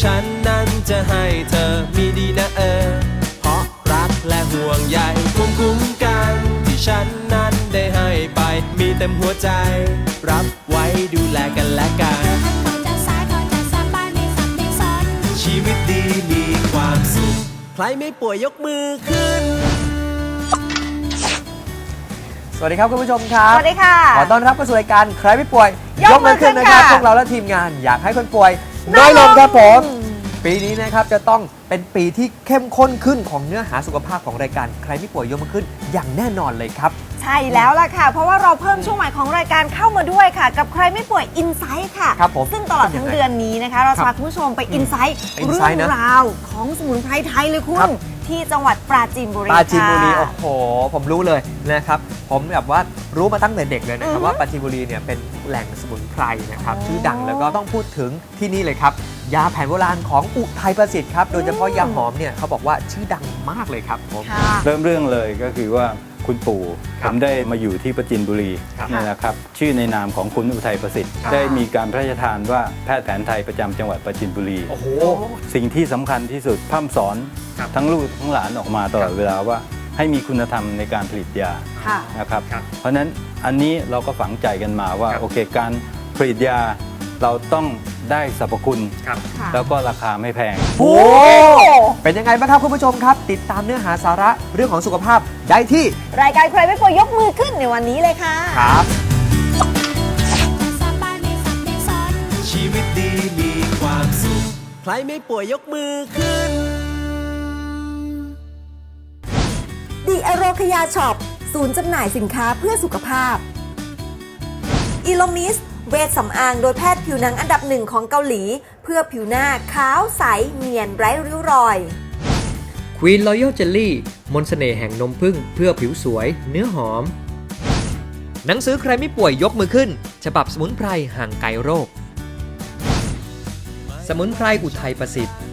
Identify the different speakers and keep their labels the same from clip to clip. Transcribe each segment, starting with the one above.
Speaker 1: ฉันนั้นจะให้เธอมีดีนะเพราะรักและห่วงใยภูมิคุ้มกันที่ฉันนั้นได้ให้ไปมีเต็มหัวใจรับไว้ดูแลกันและกันชีวิตดีมีความสุขใครไม่ป่วยยกมือขึ้น
Speaker 2: สวัสดีครับคุณผู้ชมครับ
Speaker 3: สวัสดีค่ะ
Speaker 2: ขอต้อนรับเข้าสู่รายการใครไม่ป่วย
Speaker 3: ยกมือขึ้น
Speaker 2: นะครับพวกเราและทีมงานอยากให้คนป่วยน้อยลงครับผมปีนี้นะครับจะต้องเป็นปีที่เข้มข้นขึ้นของเนื้อหาสุขภาพของรายการใครไม่ป่วยยกมือขึ้นอย่างแน่นอนเลยครับ
Speaker 3: ใช่แล้วล่ะค่ะเพราะว่าเราเพิ่มช่วงใหม่ของรายการเข้ามาด้วยค่ะกับใครไม่ป่วยอินไซต์ค่ะ
Speaker 2: ครับผม
Speaker 3: ซึ่งตลอดทั้งเดือนนี้นะคะเราจะพาคุณผู้ชมไปอินไซต์เรื่องราวของสมุนไพรไทยเลยคุณที่จังหวัดปราจีนบุรี
Speaker 2: ปราจีนบุรีโอ้โหผมรู้เลยนะครับผมแบบว่ารู้มาตั้งแต่เด็กเลยนะครับว่าปราจีนบุรีเนี่ยเป็นแหล่งสมุนไพรนะครับชื่อดังแล้วก็ต้องพูดถึงที่นี่เลยครับยาแผนโบราณของอุทัยประสิทธิ์ครับโดยเฉพาะยาหอมเนี่ยเขาบอกว่าชื่อดังมากเลยครับผม
Speaker 4: เริ่มเรื่องเลยก็คือว่าคุณปู่ผมได้มาอยู่ที่ปราจีนบุรีนี่นะครับชื่อในนามของคุณอุทัยประสิทธิ์ได้มีการพระราชทานว่าแพทย์แผนไทยประจำจังหวัดปราจีนบุรี
Speaker 2: โอ้โห
Speaker 4: สิ่งที่สำคัญที่สุดพร่ำสอนทั้งลูกทั้งหลานออกมาตลอดเวลาว่าให้มีคุณธรรมในการผลิตยานะครับเพราะฉะนั้นอันนี้เราก็ฝังใจกันมาว่าโอเคการผลิตยาเราต้องได้สรรพคุณแล้วก็ราคาไม่แพง
Speaker 2: โอ้เป็นยังไงบ้างครับคุณผู้ชมครับติดตามเนื้อหาสาระเรื่องของสุขภาพได้ที่
Speaker 3: รายการใครไม่ป่วยยกมือขึ้นในวันนี้เลยค่ะ
Speaker 2: ครับ
Speaker 1: ชีวิตดีมีความสุขใครไม่ป่วยยกมือขึ้น
Speaker 5: ดีอโรคยาช็อปศูนย์จำหน่ายสินค้าเพื่อสุขภาพอีโลมิสเวชสำอางโดยแพทย์ผิวหนังอันดับหนึ่งของเกาหลีเพื่อผิวหน้าขาวใสเนียนไร้ริ้วรอย
Speaker 6: Queen Royal Jelly มนต์เสน่ห์แห่งนมผึ้งเพื่อผิวสวยเนื้อหอมหนังสือใครไม่ป่วยยกมือขึ้นฉบับสมุนไพรห่างไกลโรคสมุนไพรอุทัยประสิทธิ์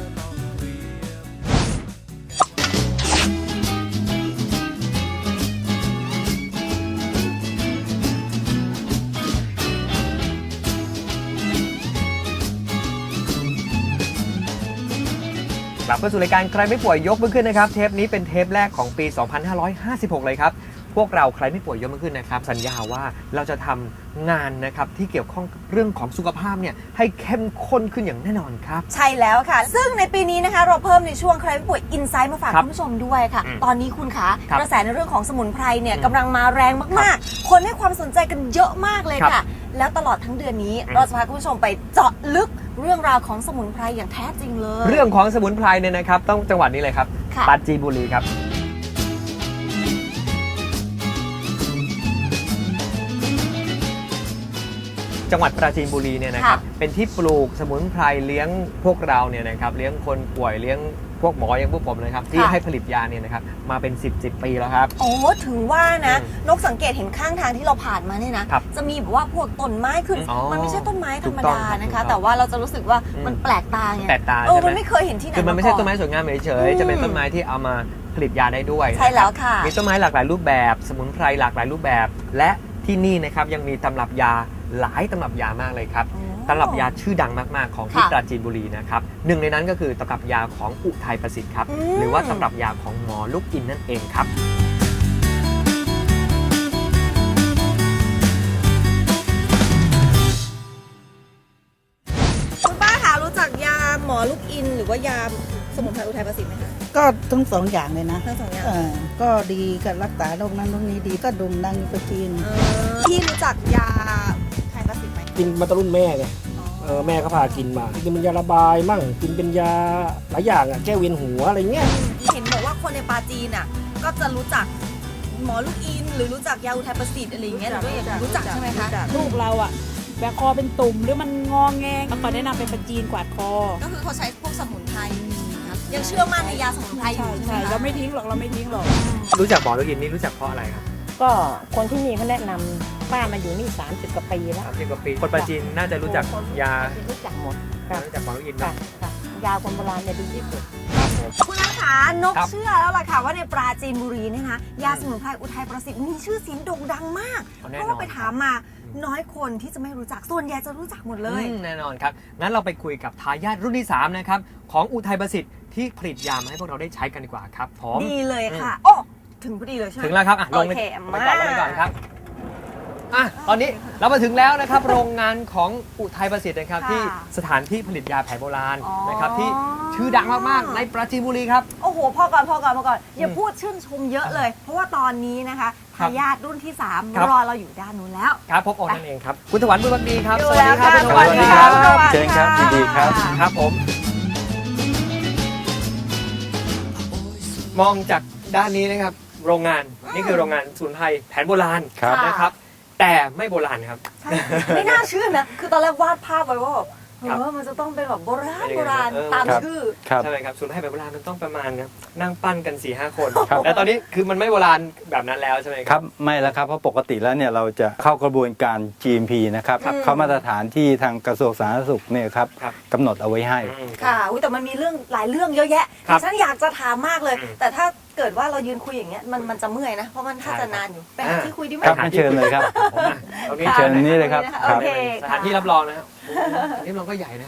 Speaker 2: กลับเข้าสู่รายการใครไม่ป่วยยกมือขึ้นนะครับเทปนี้เป็นเทปแรกของปี 2556 เลยครับพวกเราใครไม่ป่วยยกมือขึ้นนะครับสัญญาว่าเราจะทำงานนะครับที่เกี่ยวข้องเรื่องของสุขภาพเนี่ยให้เข้มข้นขึ้นอย่างแน่นอนครับ
Speaker 3: ใช่แล้วค่ะซึ่งในปีนี้นะคะเราเพิ่มในช่วงใครไม่ป่วยอินไซต์มาฝากคุณผู้ชมด้วยค่ะตอนนี้คุณคะกระแสในเรื่องของสมุนไพรเนี่ยกำลังมาแรงมากๆคนให้ความสนใจกันเยอะมากเลยค่ะแล้วตลอดทั้งเดือนนี้เราจะพาคุณผู้ชมไปเจาะลึกเรื่องราวของสมุนไพรอย่างแท้จริงเลย
Speaker 2: เรื่องของสมุนไพรเนี่ยนะครับต้องจังหวัดนี้เลยครับปราจีนบุรีครับจังหวัดปราจีนบุรีเนี่ยนะครับเป็นที่ปลูกสมุนไพรเลี้ยงพวกเราเนี่ยนะครับเลี้ยงคนป่วยเลี้ยงพวกหมออย่างพวกผมเลยครับที่ให้ผลิตยาเนี่ยนะครับมาเป็น10 ปีแล้วครับ
Speaker 3: โอ้ถึงว่านะนกสังเกตเห็นข้างทางที่เราผ่านมาเนี่ยนะจะมีแบบว่าพวกต้นไม้ขึ้นมันไม่ใช่ต้นไม้ธรรมดานะคะแต่ว่าเราจะรู้สึกว่ามันแปลกตาไง
Speaker 2: แปลกตา
Speaker 3: มันไม่เคยเห็นที่ไหน
Speaker 2: คือมันไม่ใช่ต้นไม้สวยงามเฉยๆจะเป็นต้นไม้ที่เอามาผลิตยาได้ด้วย
Speaker 3: ใช่แล้วค่ะ
Speaker 2: มีต้นไม้หลากหลายรูปแบบสมุนไพรหลากหลายรูปแบบและที่นี่นะครับยังมีตำรับยาหลายตำรับยามากเลยครับตำรับยาชื่อดังมากๆของที่ปราจีนบุรีนะครับหนึ่งในนั้นก็คือตำรับยาของอุทัยประสิทธิ์ครับหรือว่าตำรับยาของหมอลูกอินนั่นเองครับ
Speaker 3: คุณป้าคะรู้จักยาหมอลูกอินหรือว่ายาสมุนไพรอุทัยประสิทธิ์ไหมคะ
Speaker 7: ก็ทั้งสองอย่างเลยนะ
Speaker 3: ทั้งสองอย่าง
Speaker 7: ก็ดีกับรักษาโรคนั้นโรคนี้ดีก็ดุมดังไปกิน
Speaker 3: พี่รู้จักยาอุทัยประสิทธิ์ไหม
Speaker 8: กินมาตั้งรุ่นแม่ไงแม่เขาพากินมากินเป็นยาระบายมั่งกินเป็นยาหลายอย่างแก้เวียนหัวอะไรเงี้ย
Speaker 3: เห็นบอกว่าคนในปาจีนก็จะรู้จักหมอลูกอินหรือรู้จักยาอุทัยประสิทธิ์อะไรอย่างเงี้ยหรือว่ารู้จักใช่ไหมคะ
Speaker 9: ลูกเราแบคอเป็นตุ่มหรือมันงอแงก็ขอแนะนำเป็นปาจีนกวาดคอ
Speaker 3: ก็คือเขาใช้พวกสมุนไพรยังเชื่อมั่นในยาสมุนไพรอยู่
Speaker 9: ใช่เราไม่ทิ้งหรอก
Speaker 2: รู้จักหมอลูกอินนี่รู้จักเพราะอะไรครับ
Speaker 9: ก็คนที่นี่เขาแนะนำป้ามาอยู่นี่30 กว่าปีแล้ว
Speaker 2: 30 กว่าปีคนปราจีนน่าจะรู้จักยา
Speaker 9: รู้จักหมด
Speaker 2: รู้จักหมอลูกอิน
Speaker 9: ยาคนโบราณเนี่ยดีที่สุด
Speaker 3: คุณนัทขานกเชื่อแล้วล่ะค่ะว่าในปราจีนบุรีเนี่ยนะยาสมุนไพรอุทัยประสิทธิ์มีชื่อเสียงโด่งดังมากเพราะว่าไปถามมาน้อยคนที่จะไม่รู้จักส่วนใหญ่จะรู้จักหมดเลย
Speaker 2: แน่นอนครับ งั้นเราไปคุยกับทายาทรุ่นที่ 3 นะครับ ของอุทัยประสิทธิ์ที่ผลิตยามาให้พวกเราได้ใช้กันดีกว่าครับผม
Speaker 3: ดีเลยค่ะโอ้ถึงพอดีเลยใช่ไหม
Speaker 2: ถึงแล้วครับลง
Speaker 3: โอเค
Speaker 2: ไปก่อนลงไปก่อนครับตอนนี้เรามาถึงแล้วนะครับ โรงงานของอุทัยประสิทธิ์นะครับ
Speaker 3: ค่ะ
Speaker 2: ที่สถานที่ผลิตยาแผนโบราณ
Speaker 3: อ๋อ
Speaker 2: นะครับที่ชื่อดังมากๆในปราจีนบุรีครับ
Speaker 3: โอ้โหพอก่อนอย่าพูดชื่นชมเยอะเลย เพราะว่าตอนนี้นะคะทายาทรุ่นที่
Speaker 2: ครับ
Speaker 3: 3 รอเราอยู่ด้านนู้นแล้ว
Speaker 2: ครับพบโอนั่นเองครับคุณถวันบุญบังดีครับ
Speaker 3: อยู่
Speaker 2: สวัสดีครับ
Speaker 3: แล้ว
Speaker 2: คุณถ
Speaker 3: ค่ะ
Speaker 2: วัน
Speaker 3: สวัสดี
Speaker 2: ครับ
Speaker 3: ครับ
Speaker 4: เชิญครับยินดีครับ
Speaker 2: ครับผมมองจากด้านนี้นะครับโรงงานนี่คือโรงงานสมุนไพรแผนโบราณ
Speaker 4: ครับ
Speaker 2: นะครับ แต่ไม่โบราณครับ
Speaker 3: ใช่ไม่น่าเชื่อนะ คือตอนแรกวาดภาพไว้ว่าแบบ
Speaker 2: ครับ
Speaker 3: มันจะต้องเป็นแบบโบราณ
Speaker 2: เป็น
Speaker 3: โบ
Speaker 2: ยังไง
Speaker 3: ราณ
Speaker 2: เออ
Speaker 3: ตาม
Speaker 4: ครับ
Speaker 3: ชื่อ
Speaker 4: ครับ
Speaker 2: ใช่ไหมครับสมุนไพรแบบโบราณมันต้องประมาณครับนั่งปั้นกัน 4-5 คน
Speaker 4: ครับ
Speaker 2: แต่ตอนนี้คือมันไม่โบราณแบบนั้นแล้วใช่ไหมค
Speaker 4: ค
Speaker 2: รั
Speaker 4: รับ บไม่แล้วครับเพราะปกติแล้วเนี่ยเราจะเข้ากระบวนการ GMP นะครับ
Speaker 3: ครับ
Speaker 4: เข้ามาตรฐานที่ทางกระทรวงสาธารณสุขเนี่ยครับ
Speaker 2: ครับ
Speaker 4: กำหนดเอาไว้ให้
Speaker 3: ค่ะอุ๊ยแต่มันมีเรื่องหลายเรื่องเยอะแยะ
Speaker 2: ครับ
Speaker 3: ที่ฉันอยากจะถามมากเลย
Speaker 2: อืม
Speaker 3: แต่ถ้าเกิดว่าเรายืนคุยอย่างเงี้ยมันจะเมื่อยนะ เพราะมันถ้าจะนานอยู่ไปหาที่คุยดีไหม
Speaker 4: ครับไม่เชิญเลยครับ
Speaker 2: ผมอ่ะตรงนี้
Speaker 3: ค่ะ
Speaker 4: เชิญนี่เลยครับ
Speaker 3: โอเค
Speaker 2: สถานที่รับรองนะครับโอ้โหสถานที่รับรองก็ใหญ่นะ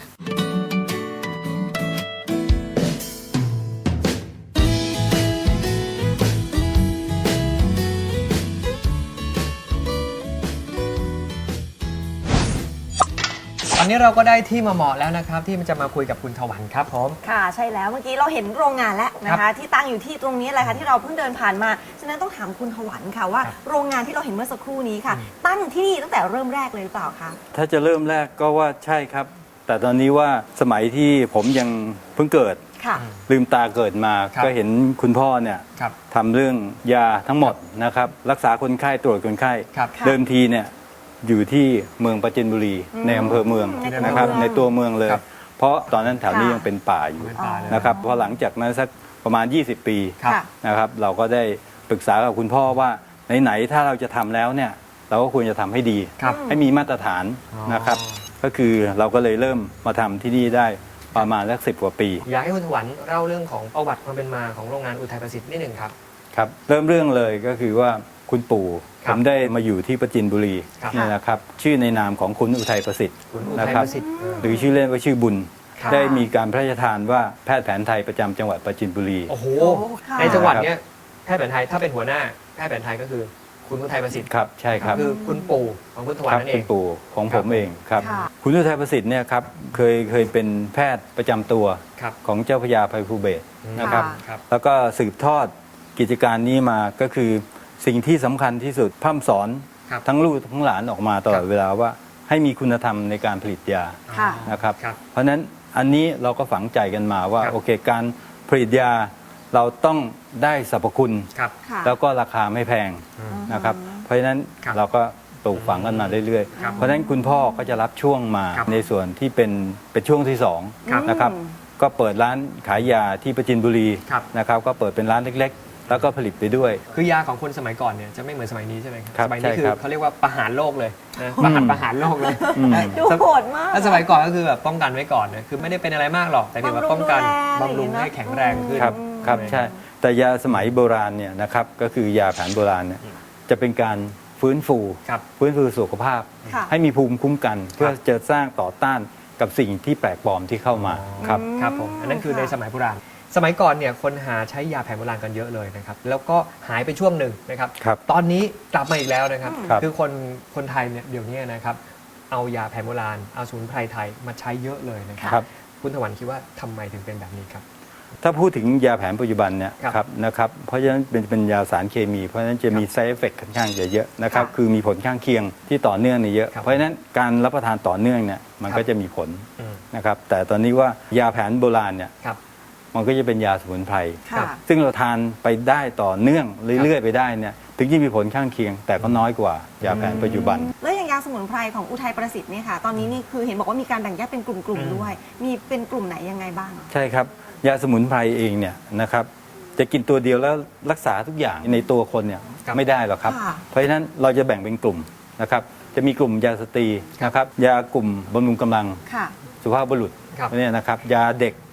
Speaker 2: ตอนนี้เราก็ได้ที่มาเหมาะแล้วนะครับ ที่มันจะมาคุยกับคุณถวันครับผม
Speaker 3: ค่ะใช่แล้วเมื่อกี้เราเห็นโรงงานแล้วนะคะ ที่ตั้งอยู่ที่ตรงนี้แหละค่ะที่เราเพิ่งเดินผ่านมาฉะนั้นต้องถามคุณถวันค่ะว่า
Speaker 2: ครับ
Speaker 3: โรงงานที่เราเห็นเมื่อสักครู่นี้ค่ะ ตั้งที่นี่ตั้งแต่เริ่มแรกเลยหรือเปล่าคะ
Speaker 4: ถ้าจะเริ่มแรกก็ว่าใช่ครับ แต่ตอนนี้ว่าสมัยที่ผมยังเพิ่งเกิด
Speaker 3: ค่ะ
Speaker 4: ลืมตาเกิดมา
Speaker 2: ครับ
Speaker 4: ก็เห็นคุณพ่อเนี่ย
Speaker 2: ครับ
Speaker 4: ทำเรื่องยาทั้งหมดนะครับรักษาคนไข้ตรวจคนไข้
Speaker 2: ครับ
Speaker 3: ค่ะ
Speaker 4: เดิมทีเนี่ยอยู่ที่เมืองปราจีนบุรีในอำเภอเมือง
Speaker 3: ในตัว
Speaker 4: นะครับ
Speaker 3: เมือง
Speaker 4: ในตัวเมืองเลย
Speaker 2: ครับ
Speaker 4: เพราะตอนนั้นแถวนี้
Speaker 3: ค่ะ
Speaker 4: ยังเป็นป่าอยู่
Speaker 2: เป็นป่าเลย
Speaker 4: นะครับพอหลังจากนั้นสักประมาณ 20 ปี
Speaker 2: ครับ
Speaker 3: ค่ะ
Speaker 4: นะครับเราก็ได้ปรึกษากับคุณพ่อว่าไหนๆถ้าเราจะทำแล้วเนี่ยเราก็ควรจะทำให้ดี
Speaker 2: ครับ
Speaker 4: ให้มีมาตรฐาน
Speaker 2: อ๋อ
Speaker 4: นะครับ ก็คือเราก็เลยเริ่มมาทำที่นี่ได้ประมาณสัก10 กว่าปี
Speaker 2: อยากให้คุณถวันเล่าเรื่องของประวัติความเป็นมาของโรงงานอุทัยประสิทธิ์นิดหนึ่งครับ
Speaker 4: ครับเริ่มเรื่องเลยก็คือว่าคุณปู่
Speaker 2: ค
Speaker 4: ผ
Speaker 2: รับ
Speaker 4: มได้มาอยู่ที่ปราจีนบุรี
Speaker 2: ครับ
Speaker 4: เนี่ยนะครับชื่อในนามของคุณอุทัยประสิทธิ์
Speaker 2: คุณอุ
Speaker 4: นะ
Speaker 2: ทัย
Speaker 4: ครับ
Speaker 2: ประสิทธิ์
Speaker 4: หรือชื่อเล่นว่าชื่อบุญ
Speaker 2: ครับ
Speaker 4: ได้มีการพระราชทานว่าแพทย์แผนไทยประจำจังหวัดปราจีนบุรี
Speaker 2: โอ้โห
Speaker 3: ค่ะ
Speaker 2: ในจังหวัดเนี้ยแพทย์แผนไทยถ้าเป็นหัวหน้าแพทย์แผนไทยก็คือคุณอุทัยประสิทธิ์
Speaker 4: ครับใช่ครับ
Speaker 2: คือคุณปู่ของคุณถวัน
Speaker 4: ครับ
Speaker 2: นั่นเอ
Speaker 4: คุ
Speaker 2: ง
Speaker 4: ณปู่ของ
Speaker 2: ครั
Speaker 4: ผ
Speaker 2: บ
Speaker 4: มเองครับ
Speaker 3: ค่ะ
Speaker 4: คุณอุทัยประสิทธิ์เนี่ยครับเคยเป็นแพทย์ประจำตัว
Speaker 2: ครับ
Speaker 4: ของเจ้าพระยาภัยภูเบศรนะครับ
Speaker 2: ครับ
Speaker 4: แล้วก็สืบทอดกิจการนี้มาก็คือสิ่งที่สำคัญที่สุดพร่ำสอน
Speaker 2: ครับ
Speaker 4: ทั้งลูกทั้งหลานออกมาตลอดเวลาว่าให้มีคุณธรรมในการผลิตยา
Speaker 3: ค่ะ
Speaker 4: นะครับ
Speaker 2: ครับ
Speaker 4: เพราะฉะนั้นอันนี้เราก็ฝังใจกันมาว่า
Speaker 2: ครับ
Speaker 4: โอเคการผลิตยาเราต้องได้สรรพคุณ
Speaker 2: ครับ
Speaker 3: ค่ะ
Speaker 4: แล้วก็ราคาไม่แพงนะครับ เพราะฉะนั้น
Speaker 2: ครับ
Speaker 4: เราก็ปลูกฝังกันมาเรื่อย
Speaker 2: ครับ
Speaker 4: ๆ เพราะฉะนั้นคุณพ่อก็จะรับช่วงมา
Speaker 2: ครับ
Speaker 4: ในส่วนที่เป็นช่วงที่สอง
Speaker 2: ครับ
Speaker 4: นะครับ ก็เปิดร้านขายยาที่ปราจีนบุรี
Speaker 2: ครับ
Speaker 4: นะครับก็เปิดเป็นร้านเล็กๆ แล้วก็ผลิตไปด้วย
Speaker 2: คือยาของคนสมัยก่อนเนี่ยจะไม่เหมือนสมัยนี้ใช่ไหมครับ
Speaker 4: ครับ
Speaker 2: สมัยนี้
Speaker 4: ใช่
Speaker 2: คือ
Speaker 4: ครับ
Speaker 2: เขาเรียกว่าประหารโลกเลยนะประหารโลกเลย
Speaker 4: อืม
Speaker 3: ดูโหดมาก
Speaker 2: ถ้าสมัยก่อนก็คือแบบป้องกันไว้ก่อนนะคือไม่ได้เป็นอะไรมากหรอกแต่เพียงว่าป้องกัน
Speaker 3: บำรุงดูแล
Speaker 2: บำรุงให้แข็งแรงขึ้น
Speaker 4: ครับครับ
Speaker 2: ใช่ไหม
Speaker 4: ใช่แต่ยาสมัยโบราณเนี่ยนะครับก็คือยาแผนโบราณเนี่ยจะเป็นการฟื้นฟู
Speaker 2: ครับ
Speaker 4: ฟื้นฟูสุขภาพ
Speaker 3: ค่ะ
Speaker 4: ให้มีภูมิคุ้มกัน เพื่อจะสร้างต่อต้านกับสิ่งที่แปลกปลอมที่เข้ามาครับ
Speaker 2: ครับผมอันนั้นคือ
Speaker 3: ค่ะ
Speaker 2: ในสมัยโบราณ สมัยก่อนเนี่ยคนหาใช้ยาแผนโบราณกันเยอะเลยนะครับแล้วก็หายไปช่วงหนึ่งนะครับ
Speaker 4: ครับ
Speaker 2: ตอนนี้กลับมาอีกแล้วนะครับ
Speaker 4: ครับ
Speaker 2: คือคนไทยเนี่ยเดี๋ยวนี้นะครับเอายาแผนโบราณเอาสมุนไพรไทยมาใช้เยอะเลยนะครับ
Speaker 4: ครับ
Speaker 2: คุณถวันคิดว่าทำไมถึงเป็นแบบนี้ครับ
Speaker 4: ถ้าพูดถึงยาแผนปัจจุบันเนี่ย
Speaker 2: ครับ
Speaker 4: ครับนะครับเพราะฉะนั้นเป็นยาสารเคมี เพราะฉะนั้นจะมี side effect ค่อนข้างจะเยอะนะครับ
Speaker 3: ค่ะ
Speaker 4: คือมีผลข้างเคียงที่ต่อเนื่องเนี่ยเยอะ
Speaker 2: ครับ
Speaker 4: เพราะฉะนั้นการรับประทานต่อเนื่องเนี่ยมัน
Speaker 2: ครับ
Speaker 4: ก็จะมีผล
Speaker 2: อืม
Speaker 4: นะครับแต่ตอนนี้ว่ายาแผนโบราณเนี่ย
Speaker 2: ครับ
Speaker 4: มันก็จะเป็นยาสมุนไพร
Speaker 3: ค่ะ
Speaker 4: ซึ่งเราทานไปได้ต่อเนื่องเรื่อยๆไปได้เนี่ยถึงจะมีผลข้างเคียง แต่ก็น้อยกว่ายาแผนปัจจุบัน
Speaker 3: แล้วอย่างยาสมุนไพรของอุทัยประสิทธิ์เนี่ยค่ะ ตอนนี้นี่คือเห็นบอกว่ามีการแบ่งแยกเป็นกลุ่มๆด้วย มีเป็นกลุ่มไหนยังไงบ้าง
Speaker 4: ใช่ครับยาสมุนไพรเองเนี่ยนะครับจะกินตัวเดียวแล้วรักษาทุกอย่างในตัวคนเนี่ย
Speaker 2: ครับ
Speaker 4: ไม่ได้หรอกครับ
Speaker 3: ค่ะ
Speaker 4: เพราะฉะนั้นเราจะแบ่งเป็นกลุ่มนะครับจะมีกลุ่มยาสตรีนะครับยากลุ่มบำรุงกำลัง
Speaker 3: ค่ะ
Speaker 4: สุภาพบุรุษ
Speaker 2: ครับ
Speaker 4: เนี่ยนะครับยาเด็ก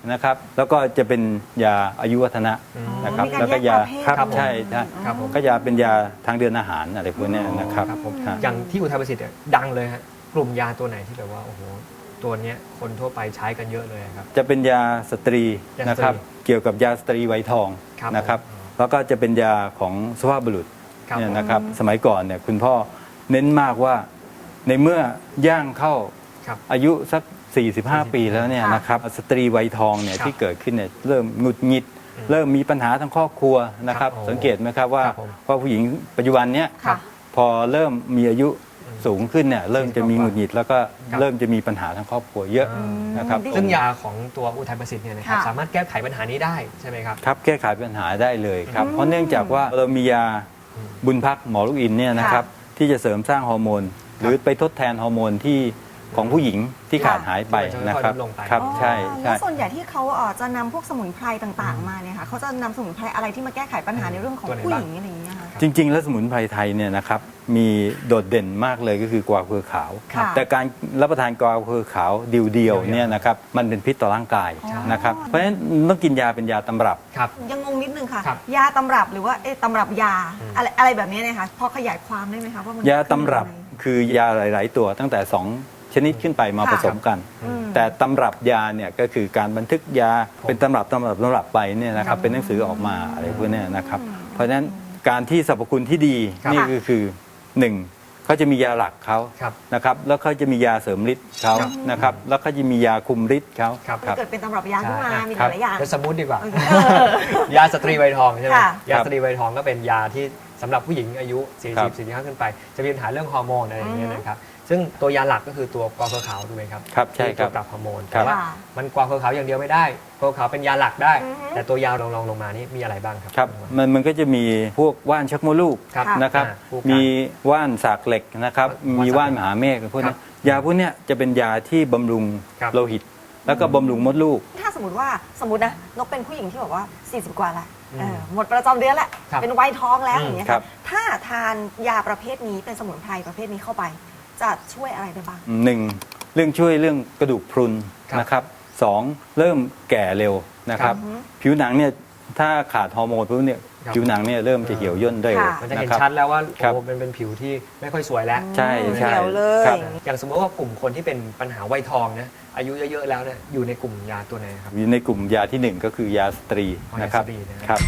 Speaker 4: นะครับแล้วก็จะเป็นยาอายุวัฒนะนะครับ
Speaker 3: มีการ
Speaker 4: แล้วก็
Speaker 3: แย
Speaker 4: ยาก
Speaker 3: ประเภท
Speaker 4: ครับ
Speaker 2: ครับผม
Speaker 4: ใช่ใช่
Speaker 2: ครับผม
Speaker 4: ก็ยาเป็นยาทางเดินอาหารอะไรพวกเนี้ยนะครับ
Speaker 2: ครับผม
Speaker 4: ฮะ
Speaker 2: อย่างที่อุทัยประสิทธิ์เนี่ยดังเลยฮะกลุ่มยาตัวไหนที่แบบว่าโอ้โหตัวเนี้ยคนทั่วไปใช้กันเยอะเลยครับ
Speaker 4: จะเป็นยาสตรี
Speaker 2: ยาสตรี
Speaker 4: นะครับเกี่ยวกับยาสตรีไวยทอง
Speaker 2: ครับ
Speaker 4: นะครับแล้วก็จะเป็นยาของสุภาพบุรุษ
Speaker 2: ครับ
Speaker 4: เนี่ยนะครับสมัยก่อนเนี่ยคุณพ่อเน้นมากว่าในเมื่อย่างเข้า
Speaker 2: ครับ
Speaker 4: อายุสัก 45 ปีแล้วเนี่ย
Speaker 3: ค่ะ
Speaker 4: นะครับสตรีวัยทองเนี่ย
Speaker 2: ครับ
Speaker 4: ที่เกิดขึ้นเนี่ยเริ่มหงุดหงิด เริ่มมีปัญหาทางครอบครัวนะครับ
Speaker 2: ครับ
Speaker 4: สังเกตไหมครับว่า
Speaker 2: ครับผม
Speaker 4: ว่าผู้หญิงปัจจุบันเนี้ย
Speaker 3: ค่ะ
Speaker 4: พอเริ่มมีอายุสูงขึ้นเนี่ยเริ่มจะมีหงุดหงิดแล้วก็
Speaker 2: ครับ
Speaker 4: เริ่มจะมีปัญหาทางครอบครัวเยอะนะครับ
Speaker 2: ซึ่งยาของตัวอุทัยประสิทธิ์เนี่ยนะครับ
Speaker 3: ค่ะ
Speaker 2: สามารถแก้ไขปัญหานี้ได้ใช่ไหมครับ
Speaker 4: ครับแก้ไขปัญหาได้เลยครับเพราะเนื่องจากว่าเรามียาบุญพักหมอลูกอินเนี่ยนะครับที่จะเสริมสร้างฮอร์โมน หรือไปทดแทนฮอร์โมนที่ของผู้หญิงที่ขาดหายไปนะครับ
Speaker 2: จะค่อยๆลดลงไป
Speaker 4: ครับ
Speaker 3: อ๋อ
Speaker 4: ใช่
Speaker 3: แล้
Speaker 4: ใช่
Speaker 3: วส่วนใหญ่ที่เขาจะนำพวกสมุนไพรต่างๆ มาเนี่ยค่ะเขาจะนำสมุนไพรอะไรที่มาแก้ไขปัญหาในเรื่องของ
Speaker 2: ตัวไหน
Speaker 3: ผู้
Speaker 2: บ้าง
Speaker 3: หญิงอะไรอย่างเงี้ยค่ะ
Speaker 4: จริง ๆ แล้วสมุนไพรไทยเนี่ยนะครับมีโดดเด่นมากเลยก็คือกวาวเครือขาว
Speaker 3: ค่ะ
Speaker 4: แต่การรับประทานกวาวเครือขาวเดียวๆเนี่ยนะครับมันเป็นพิษต่อร่างกายนะครับเพราะฉะนั้นต้องกินยาเป็นยาตำรับ
Speaker 2: ครับ
Speaker 3: ยังงงนิดนึงค่ะ
Speaker 2: ครับ
Speaker 3: ยาตำรับหรือว่าตำรับยาอะไรแบบนี้เนี่ยค่ะพอขยายความได้ไหมคะว่ามัน
Speaker 4: ยาตำรับ
Speaker 3: คืออะไร
Speaker 4: คือยาหลาย ๆ ตัวตั้งแต่ 2 ชนิดขึ้นไปมา
Speaker 3: ค่ะ
Speaker 4: ผสมกัน แต่ตำรับยาเนี่ยก็คือการบันทึกยาเป็นตำรับไปเนี่ยนะครับเป็นหนังสือออกมาอะไรพวกเนี้ยนะครับเพราะฉะนั้นการที่สรรพคุณที่ดี
Speaker 2: ครับ
Speaker 4: นี่ก็คือ1เขาจะมียาหลักเขา
Speaker 2: ครับ
Speaker 4: นะครับแล้วเขาจะมียาเสริมฤทธิ์เขานะครับแล้วเขาจะมียาคุมฤทธิ์เขา
Speaker 2: ครับ
Speaker 3: มันเกิดเป็นตำรับยาขึ้นมา
Speaker 2: ใช่
Speaker 3: มี
Speaker 4: ครั
Speaker 3: ห
Speaker 4: บ
Speaker 3: ลายอย่าง
Speaker 2: เป็นสมมุติดีกว่า
Speaker 3: เออ
Speaker 2: ยาสตรีไวยทองใช่ไหม
Speaker 3: ค่ะ
Speaker 2: ยาสตรีไวยทองก็เป็นยาที่สำหรับผู้หญิงอายุ
Speaker 4: ครับ
Speaker 2: 40 45ขึ้นไป จะมีปัญหาเรื่องฮอร์โมนอะไรอย่างเงี้ยนะครับซึ่งตัวยาหลักก็คือตัวกวาวเครือขาวถูกไหมครับ
Speaker 4: ครับใช่ครับ
Speaker 2: ที่ตัวปรับฮอร์โมน
Speaker 4: ครั
Speaker 2: แต่
Speaker 4: บ
Speaker 2: ว่ามันกวาวเครือขาวอย่างเดียวไม่ได้กวาวเครือขาวเป็นยาหลักได้
Speaker 3: อือฮึ
Speaker 2: แต่ตัวยาลงมานี่มีอะไรบ้างครับ
Speaker 4: ครับมันก็จะมีพวกว่านชักมดลูก
Speaker 2: ครับ
Speaker 4: นะครับ
Speaker 2: คู่กัน
Speaker 4: มีว่านสากเหล็กนะครับ มีว่านมหาเมฆพวกนี้ยาพวกเนี้ยจะเป็นยาที่บำรุง
Speaker 2: ครับ
Speaker 4: โลหิต แล้วก็บำรุงมดลูก
Speaker 3: ถ้าสมมตินะนกเป็นผู้หญิงที่แบบว่า 40 กว่าละหมดประจำเดือนละ
Speaker 2: ครับ
Speaker 3: เป็นวัยท้องแล้ว
Speaker 2: อืม
Speaker 3: อย่างเงี้ย
Speaker 4: ครั
Speaker 3: ค่ะ
Speaker 4: บ
Speaker 3: ถ้าทานยาประเภทนี้เป็นสมุนไพรประเภทนี้เข้าไป จะช่วยอะไรได้บ้าง
Speaker 4: หนึ่งเรื่องช่วยเรื่องกระดูกพรุน
Speaker 2: ครับ
Speaker 4: นะครับสองเริ่มแก่เร็วนะครับ ผิวหนังเนี่ยถ้าขาดฮอร์โมนปุ๊บเนี่ย
Speaker 2: ครับ
Speaker 4: ผิวหนังเนี่ยเริ่มจะเหี่ยวย่นเร็ว
Speaker 3: ค่ะ
Speaker 2: มันจะเห็น
Speaker 4: ครับ
Speaker 2: ชัดแล้วว่า
Speaker 4: ครับ
Speaker 2: โอ้เป็นผิวที่ไม่ค่อยสวยแล้ว
Speaker 4: ใช่ใช่
Speaker 3: เหี่ยวเลย
Speaker 4: ครับ
Speaker 2: อย่างสมมติว่ากลุ่มคนที่เป็นปัญหาวัยทองนะอายุเยอะๆแล้วเนี่ยอยู่ในกลุ่มยาตัวไหนครับ
Speaker 4: อยู่ในกลุ่มยาที่หนึ่งก็คือยาสตรี
Speaker 2: อ๋อยา
Speaker 4: นะครับ
Speaker 2: สตรีนะครับ
Speaker 4: ครับ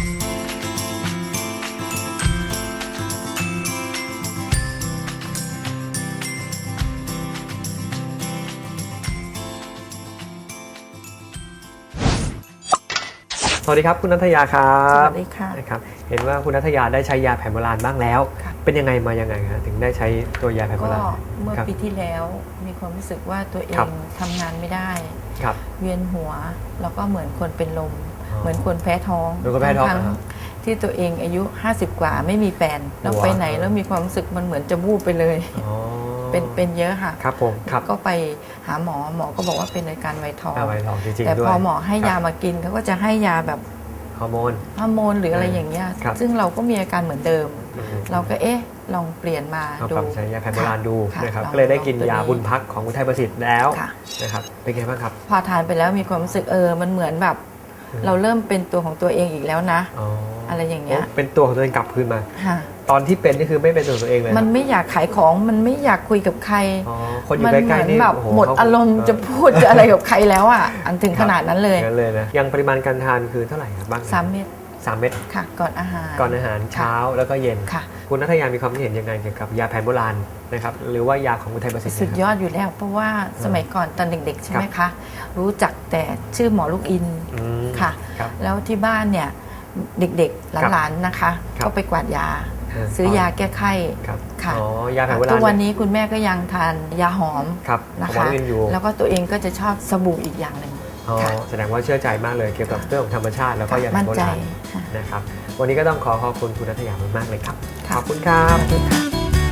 Speaker 2: สวัสดีครับคุณนัทยาครับ
Speaker 7: สวัสดีค่ะ
Speaker 2: นะครับเห็นว่าคุณนัทยาได้ใช้ยาแผนโบราณบ้างแล้ว
Speaker 7: ค่ะ
Speaker 2: เป็นยังไงมายังไงครับถึงได้ใช้ตัวยาแผนโบ
Speaker 7: ก็
Speaker 2: ราณ
Speaker 7: เมื่อ
Speaker 2: ครับ
Speaker 7: ปีที่แล้วมีความรู้สึกว่าตัวเอ
Speaker 2: ครั
Speaker 7: ง
Speaker 2: บ
Speaker 7: ทำงานไม่ได้
Speaker 2: ครับ
Speaker 7: เวียนหัว แล้วก็เหมือนคนเป็นลม
Speaker 2: อ๋อ
Speaker 7: เหมือนคนแพ้ท้อง
Speaker 2: เหมือนคนแพ้ท้อง
Speaker 7: ทั้
Speaker 2: อ่าฮะ
Speaker 7: ๆที่ตัวเองอายุ 50 กว่าไม่มีแฟนแล้ว
Speaker 2: ว้าว
Speaker 7: ไปไหนแล้วมีความรู้สึกมันเหมือนจะวูบไปเลย
Speaker 2: อ๋อ
Speaker 7: เป็นเยอะค่ะ
Speaker 2: ครับผมครับ
Speaker 7: ก็ไปหาหมอก็บอกว่าเป็นอาการไวทอง
Speaker 2: ไวทองจริงๆ
Speaker 7: แต่
Speaker 2: ด้วย
Speaker 7: พอหมอให้
Speaker 2: ครับ
Speaker 7: ยามากินเขาก็จะให้ยาแบบ
Speaker 2: ฮอร์โมน
Speaker 7: ฮอร์โมนหรืออะไรอย่างเงี้ย
Speaker 2: ครับ
Speaker 7: ซึ่งเราก็มีอาการเหมือนเดิม
Speaker 2: อืม
Speaker 7: เราก็ลองเปลี่ยนมา
Speaker 2: เอา
Speaker 7: ดู
Speaker 2: ปรับใช้ยาแผนโบราณดู
Speaker 7: ค่ะ
Speaker 2: นะครับ
Speaker 7: ลอง
Speaker 2: ก็เลยได้กิน
Speaker 7: ลองตัวย
Speaker 2: าบุญพักของอุทัยประสิทธิ์แล้ว
Speaker 7: ค่ะ
Speaker 2: นะครับเป็นไงบ้างครับ
Speaker 7: พอทานไปแล้วมีความรู้สึกมันเหมือนแบบ เราเริ่มเป็นตัวของตัวเองอีกแล้วนะ
Speaker 2: อ๋อ
Speaker 7: อะไรอย่างเงี้ย
Speaker 2: โเป็นตัวของตัวเองกลับคืนมา
Speaker 7: ค่ะ
Speaker 2: ตอนที่เป็นนี่คือไม่เป็นตัวของตัวเองเลย
Speaker 7: มันไม่อยากขายของมันไม่อยากคุยกับใคร
Speaker 2: อ๋อคนอยู่
Speaker 7: มั
Speaker 2: ใก
Speaker 7: เหมื
Speaker 2: ล้
Speaker 7: อน
Speaker 2: ๆนี่
Speaker 7: แบบ
Speaker 2: โโ
Speaker 7: หมด
Speaker 2: เข
Speaker 7: อารมณ์จะพูดจะอะไรกับใครแล้วอ่ะอันถึงขนาดนั้นเลย
Speaker 2: งั้นเลยนะยังปริมาณการทานคือเท่าไหร่ครับบ้าง
Speaker 7: 3 เม็ด
Speaker 2: 3 เม็ด
Speaker 7: ค่ะ ก่อนอาหาร
Speaker 2: ก่อนอาหารเช้าแล้วก็เย็น
Speaker 7: ค่ะ
Speaker 2: คุณนัทยามีความคิดเห็นยังไงเกี่ยวกับยาแผนโบราณนะครับหรือว่ายาของอุทัยประสิทธิ์
Speaker 7: สุด
Speaker 2: นะครับ
Speaker 7: ยอดอยู่แล้ว เพราะว่าสมัยก่อนตอนเด็กๆ ใช่ไหมคะ รู้จักแต่ชื่อหมอลูกอิน
Speaker 2: อืม
Speaker 7: ค่ะ
Speaker 2: ครับ
Speaker 7: แล้วที่บ้านเนี่ยเด็กๆหลานๆนะคะ
Speaker 2: ครับ
Speaker 7: ก็ไปกวาดยา ซื้อยาแก้ไข้
Speaker 2: ครับ
Speaker 7: ค่ะ
Speaker 2: อ๋อยาแผนโบราณ
Speaker 7: ทุกวันนี้คุณแม่ก็ยังทานยาหอม
Speaker 2: ครับ
Speaker 7: นะ
Speaker 2: ของหมอ
Speaker 7: คะ
Speaker 2: ลูกอินอยู่
Speaker 7: แล้วก็ตัวเองก็จะชอบสบู่อีกอย่างหนึ่ง
Speaker 2: อ๋อ
Speaker 7: ค่ะ
Speaker 2: แสดงว่าเชื่อใจมากเลยเกี่ยวกับเรื่องของธรรมชาติแล้วก็ยาแผ
Speaker 7: มั่
Speaker 2: น
Speaker 7: น
Speaker 2: โบ
Speaker 7: ใจ
Speaker 2: ราณ
Speaker 7: ค่ะ
Speaker 2: นะครับวันนี้ก็ต้องขอบคุณคุณนัทยามากๆเลยครับ
Speaker 7: ค่ะ
Speaker 2: ขอบคุณครับ
Speaker 7: สวัสดีค่ะ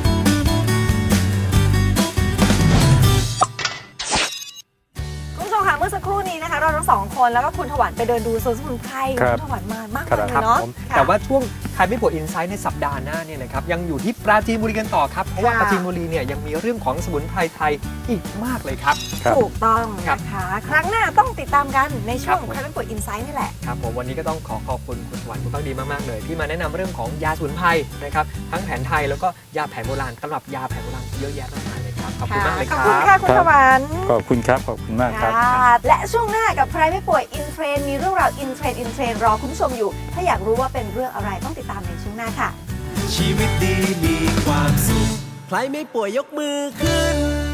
Speaker 3: คุณผู้ชมค่ะเมื่อสักครู่นี้นะคะเราทั้งสองคนแล้วก็คุณถวันไปเดินดูสวนสมุนไพร
Speaker 4: ครับ
Speaker 3: คุณถวันมามาก
Speaker 4: ครับ
Speaker 3: เลย
Speaker 2: ครับ
Speaker 3: เนาะ
Speaker 2: ผม
Speaker 3: ค่ะ
Speaker 2: แต่ว่าช่วงใครไม่ป่วยอินไซต์ในสัปดาห์หน้าเนี่ยนะครับยังอยู่ที่ปราจีนบุรีกันต่อครับเพราะว่าปราจีนบุรีเนี่ยยังมีเรื่องของสมุนไพรไทยอีกมากเลยครับ
Speaker 3: ถูกต้อง
Speaker 2: ครับ
Speaker 3: นะคะ ครั้งหน้าต้องติดตามกันในช่วง
Speaker 2: ครับผม
Speaker 3: ใครไม่ป่วยอินไซต์นี่แหละ
Speaker 2: ครับผมวันนี้ก็ต้องขอบคุณคุณสวรรค์คุณพักดีมากๆเลยที่มาแนะนำเรื่องของยาสมุนไพรนะครับทั้งแผนไทยแล้วก็ยาแผนโบราณตำรับยาแผนโบราณเยอะแยะมากมายเลยครับขอบคุณมากเลยค
Speaker 3: ข
Speaker 2: รั
Speaker 3: อบบ คุณค่ะคุณสวรรค์
Speaker 4: ขอบคุณครับ ขอบคุณมากครับ
Speaker 3: ค่ะและช่วงหน้ากับใครไม่ป่วยอินเทรนมีเรื่องราวอินเทรนรอคุณผู้ชมอยู่ ถ้าอยากรู้ว่าเป็นเรื่องอะไรต้องติดตามในช่วงหน้าค่ะ
Speaker 1: ชีวิตดีมีความสุข ใครไม่ป่วยยกมือขึ้น